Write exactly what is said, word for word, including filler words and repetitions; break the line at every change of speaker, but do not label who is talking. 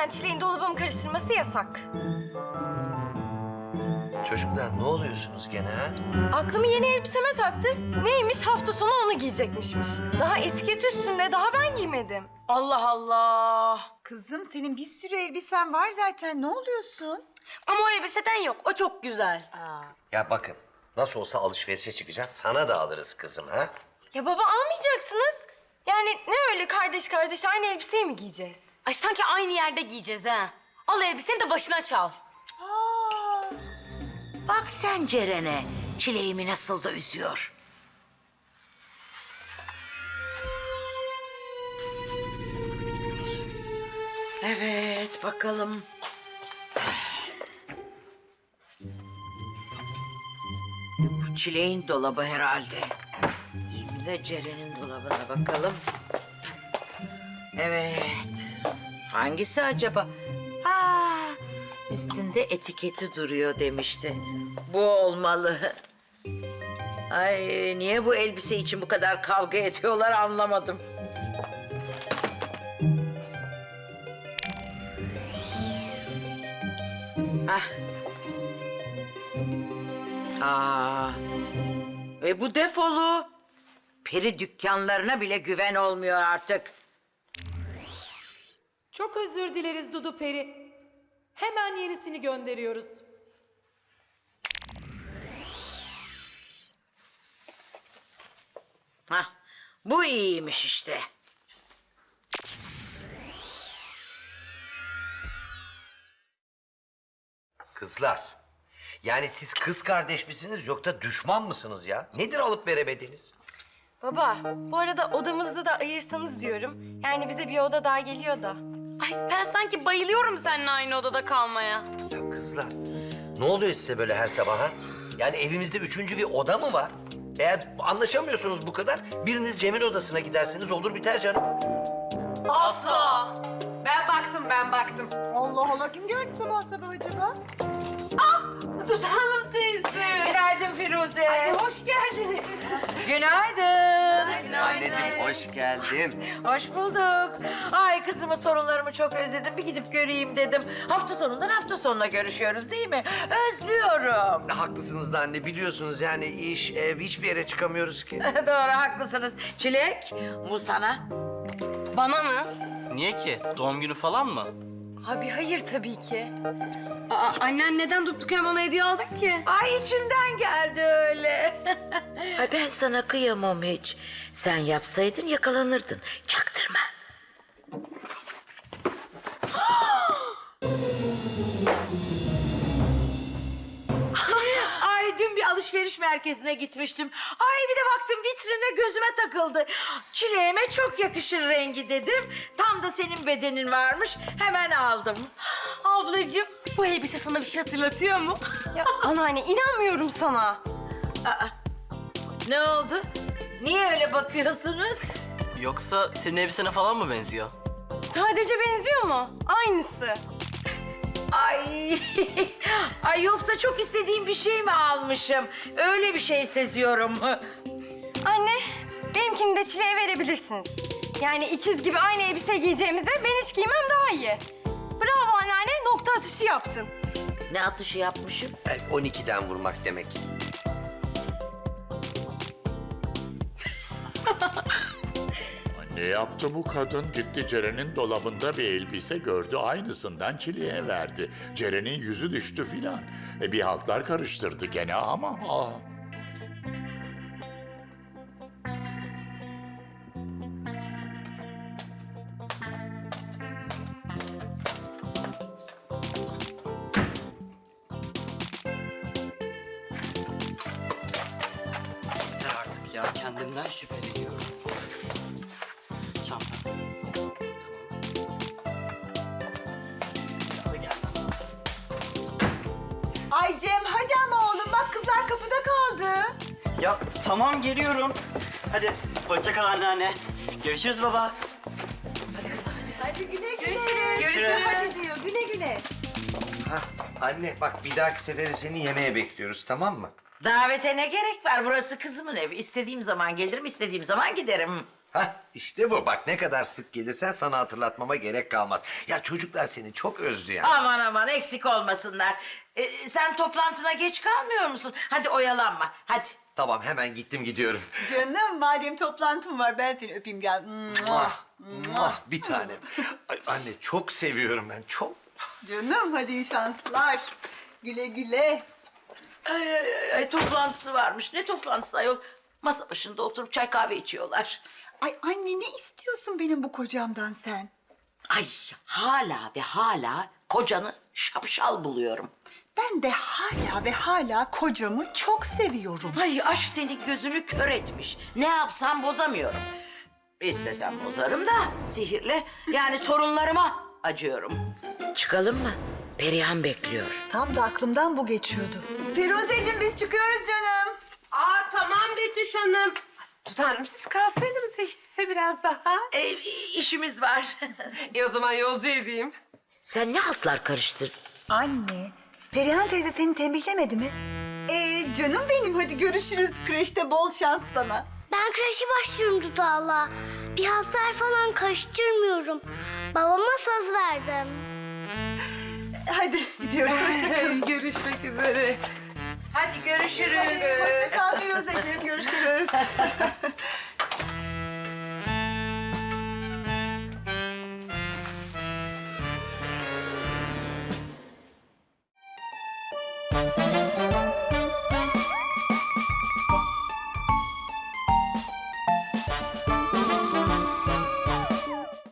Zaten Çilek'in dolabımı karıştırması yasak.
Çocuklar ne oluyorsunuz gene ha?
Aklımı yeni elbiseme taktı. Neymiş? Hafta sonu onu giyecekmişmiş. Daha etiket üstünde, daha ben giymedim. Allah Allah.
Kızım senin bir sürü elbisen var zaten. Ne oluyorsun?
Ama o elbiseden yok. O çok güzel.
Aa,
Ya bakın nasıl olsa alışverişe çıkacağız. Sana da alırız kızım ha?
Ya baba almayacaksınız. Yani ne öyle kardeş kardeş aynı elbiseyi mi giyeceğiz?
Ay sanki aynı yerde giyeceğiz ha. Al elbiseni de başına çal.
aa.
Bak sen Ceren'e, çileğimi nasıl da üzüyor. Evet, bakalım. Bu çileğin dolabı herhalde. Şimdi de Ceren'in dolabına bakalım. Evet. Hangisi acaba? Aa, üstünde etiketi duruyor demişti. Bu olmalı. Ay niye bu elbise için bu kadar kavga ediyorlar anlamadım. Ah. Aa. E bu defolu. Peri dükkanlarına bile güven olmuyor artık.
Çok özür dileriz Dudu Peri. Hemen yenisini gönderiyoruz.
Hah, bu iyiymiş işte.
Kızlar. Yani siz kız kardeş misiniz yoksa düşman mısınız ya? Nedir alıp veremediğiniz?
Baba, bu arada odamızı da ayırsanız diyorum. Yani bize bir oda daha geliyor da.
Ay ben sanki bayılıyorum seninle aynı odada kalmaya.
Ya kızlar ne oluyor size böyle her sabah ha? Yani evimizde üçüncü bir oda mı var? Eğer anlaşamıyorsunuz bu kadar biriniz Cem'in odasına gidersiniz olur biter canım.
Asla! Ben baktım, ben baktım.
Allah Allah kim gördü sabah sabah acaba?
Tutalım teyze.
Günaydın Firuze.
Ay, hoş geldiniz.
Günaydın.
Anneciğim hoş geldin.
Hoş bulduk. Ay kızımı, torunlarımı çok özledim. Bir gidip göreyim dedim. Hafta sonundan hafta sonuna görüşüyoruz değil mi? Özlüyorum.
Haklısınız da anne biliyorsunuz yani iş, ev hiçbir yere çıkamıyoruz ki.
Doğru haklısınız. Çilek, bu sana.
Bana mı?
Niye ki? Doğum günü falan mı?
Abi hayır tabii ki.
Aa, annen neden durduk yere bana hediye aldın ki?
Ay içimden geldi öyle. Ay ben sana kıyamam hiç. Sen yapsaydın yakalanırdın. Çaktırma. Ay dün bir alışveriş merkezine gitmiştim. Ay bir de baktım vitrinde gözüme takıldı. Çileğime çok yakışır rengi dedim. Tam da senin bedenin varmış. Hemen aldım.
Ablacığım bu elbise sana bir şey hatırlatıyor mu?
Ya anneanne inanmıyorum sana.
Aa, ne oldu? Niye öyle bakıyorsunuz?
Yoksa senin elbisene falan mı benziyor?
Sadece benziyor mu? Aynısı.
Ay, ay yoksa çok istediğim bir şey mi almışım? Öyle bir şey seziyorum.
Anne, benimkini de Çilek'e verebilirsiniz. Yani ikiz gibi aynı elbise giyeceğimize ben hiç giymem daha iyi. Bravo anneanne, nokta atışı yaptın.
Ne atışı yapmışım?
Yani on ikiden vurmak demek.
Ne yaptı bu kadın? Gitti Ceren'in dolabında bir elbise gördü. Aynısından Çilek'e verdi. Ceren'in yüzü düştü filan. E bir haltlar karıştırdı gene ama... Aa.
Yeter artık ya. Kendimden şüpheleniyorum. Çanta. Tamam. Hadi gel.
Ay Cem hadi ama oğlum bak kızlar kapıda kaldı.
Ya tamam geliyorum. Hadi hoşça kal anneanne. Görüşürüz baba.
Hadi güle güle. Görüşürüz. Hadi diyor güle güle.
Hah, anne bak bir dahaki sefere seni yemeğe bekliyoruz tamam mı?
Davete ne gerek var? Burası kızımın evi. İstediğim zaman gelirim, istediğim zaman giderim.
Hah işte bu. Bak ne kadar sık gelirsen sana hatırlatmama gerek kalmaz. Ya çocuklar seni çok özlü ya.
Aman aman eksik olmasınlar. Ee, sen toplantına geç kalmıyor musun? Hadi oyalanma hadi.
Tamam hemen gittim gidiyorum.
Canım madem toplantım var ben seni öpeyim gel.
Muah, muah, bir tanem. Ay, anne çok seviyorum ben çok.
Canım hadi iyi şanslar. Güle güle.
Ay, ay, ay, ay, toplantısı varmış. Ne toplantısı ayol? Masa başında oturup çay kahve içiyorlar.
Ay anne ne istiyorsun benim bu kocamdan sen?
Ay hala ve hala kocanı şapşal buluyorum.
Ben de hala ve hala kocamı çok seviyorum.
Ay aşk senin gözünü kör etmiş. Ne yapsam bozamıyorum. İstesem bozarım da sihirle yani torunlarıma acıyorum. Çıkalım mı? Perihan bekliyor.
Tam da aklımdan bu geçiyordu. Firuzeciğim biz çıkıyoruz canım.
Aa tamam Betüş Hanım.
Tutanrım siz kalsaydınız hiç değilse biraz daha.
E, işimiz var.
E o zaman yolcu edeyim.
Sen ne altlar karıştır?
Anne, Perihan teyze seni tembihlemedi mi? Ee canım benim hadi görüşürüz. Kreşte bol şans sana.
Ben kreşe başlıyorum Dudağ'la. Bir hasar falan karıştırmıyorum. Babama söz verdim.
Hadi gidiyoruz hoşçakalın.
Görüşmek üzere.
Hadi görüşürüz.
Hoşça kal Firuzeciğim görüşürüz.